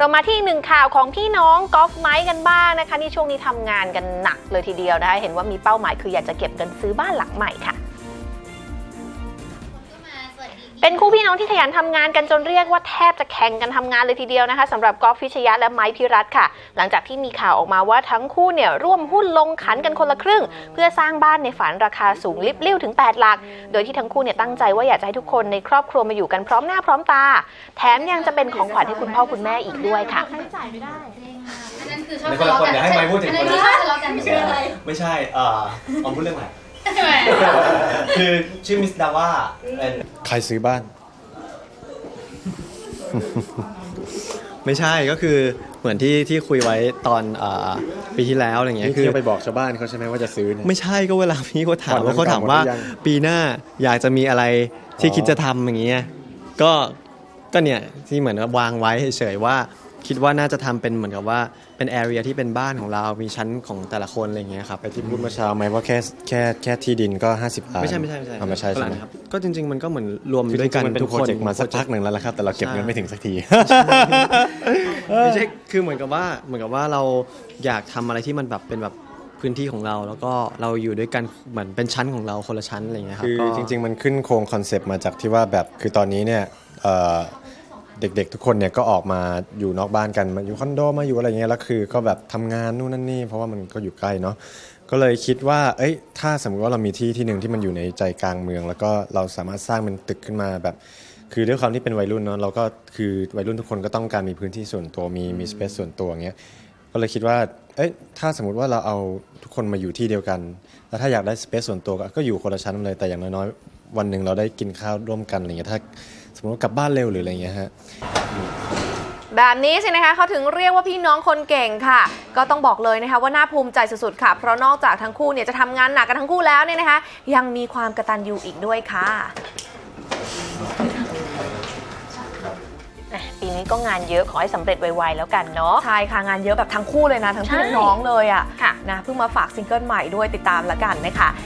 เรามาที่หนึ่งข่าวของพี่น้องกอล์ฟไมค์กันบ้างนะคะนี่ช่วงนี้ทำงานกันหนักเลยทีเดียวนะคะเห็นว่ามีเป้าหมายคืออยากจะเก็บเงินซื้อบ้านหลังใหม่ค่ะเป็นคู่พี่น้องที่ขยันทำงานกันจนเรียกว่าแทบจะแข่งกันทำงานเลยทีเดียวนะคะสำหรับกอล์ฟฟิชยะและไมค์พิรัตน์ค่ะหลังจากที่มีข่าวออกมาว่าทั้งคู่เนี่ยร่วมหุ้นลงขันกันคนละครึ่งเพื่อสร้างบ้านในฝันราคาสูงลิบลิ่วถึง8หลักโดยที่ทั้งคู่เนี่ยตั้งใจว่าอยากจะให้ทุกคนในครอบครัวมาอยู่กันพร้อมหน้าพร้อมตาแถมยังจะเป็นของขวัญให้คุณพ่อคุณแม่อีกด้วยค่ะในคนละคนเดี๋ยวให้ไมค์พูดถึงคนละไม่ใช่อะไรไม่ใช่ออมพูดเรื่องอะไรคือชื่อมิสดาว่าใครซื้อบ้านไม่ใช่ก็คือเหมือนที่คุยไว้ตอนปีที่แล้วอะไรเงี้ยคือไปบอกชาวบ้านเขาใช่ไหมว่าจะซื้อเนี่ยไม่ใช่ก็เวลาพี่เขาถามว่าเขาถามว่าหมดหรือยังปีหน้าอยากจะมีอะไรที่คิดจะทำอย่างเงี้ยก็เนี่ยที่เหมือนวางไว้เฉยๆว่าคิดว่าน่าจะทำเป็นเหมือนกับว่าเป็นแอเรียที่เป็นบ้านของเรามีชั้นของแต่ละคนอะไรเงี้ยครับไปที่พูดเมื่อเช้าไหมว่าแค่ที่ดินก็50 ล้านไม่ใช่ไม่ใช่ใช่ไหมครับก็จริงๆมันก็เหมือนรวมคือด้วยกันมันเป็นทุกโปรคนเจกต์มาสักพักหนึ่งแล้วละครับแต่เราเก็บเงินไม่ถึงสักทีไม่ใช่คือเหมือนกับว่าเราอยากทำอะไรที่มันแบบเป็นแบบพื้นที่ของเราแล้วก็เราอยู่ด้วยกันเหมือนเป็นชั้นของเราคนละชั้นอะไรอย่างเงี้ยครับคือก็จริงๆมันขึ้นโครงคอนเซปต์มาจากที่ว่าแบบคือตอนนี้เนี่ยเด็กๆทุกคนเนี่ยก็ออกมาอยู่นอกบ้านกันมาอยู่คอนโดมาอยู่อะไรเงี้ยแล้วคือก็แบบทำงานนู่นนั่นนี่เพราะว่ามันก็อยู่ใกล้เนาะก็เลยคิดว่าถ้าสมมติว่าเรามีที่หนึ่งที่มันอยู่ในใจกลางเมืองแล้วก็เราสามารถสร้างเป็นตึกขึ้นมาแบบคือด้วยความที่เป็นวัยรุ่นเนาะเราก็คือวัยรุ่นทุกคนก็ต้องการมีพื้นที่ส่วนตัวมีสเปซส่วนตัวอย่างเงี้ยก็เลยคิดว่าถ้าสมมติว่าเราเอาทุกคนมาอยู่ที่เดียวกันแล้วถ้าอยากได้สเปซส่วนตัวก็อยู่คนละชั้นเลยแต่อย่างน้อยๆวันหนึ่งเราได้กินข้าวร่วมกันอะไรเงี้ยถ้าสมมติว่ากลับบ้านเร็วหรืออะไรเงี้ยฮะแบบนี้สินะคะเขาถึงเรียกว่าพี่น้องคนเก่งค่ะก็ต้องบอกเลยนะคะว่าน่าภูมิใจสุดๆค่ะเพราะนอกจากทั้งคู่เนี่ยจะทำงานหนักกันทั้งคู่แล้วเนี่ยนะคะยังมีความกตัญญูอีกด้วยค่ะปีนี้ก็งานเยอะขอให้สำเร็จไวๆแล้วกันเนาะใช่ค่ะงานเยอะแบบทั้งคู่เลยนะทั้งพี่ทั้งน้องเลยอ่ะค่ะนะเพิ่งมาฝากซิงเกิลใหม่ด้วยติดตามละกันนะคะ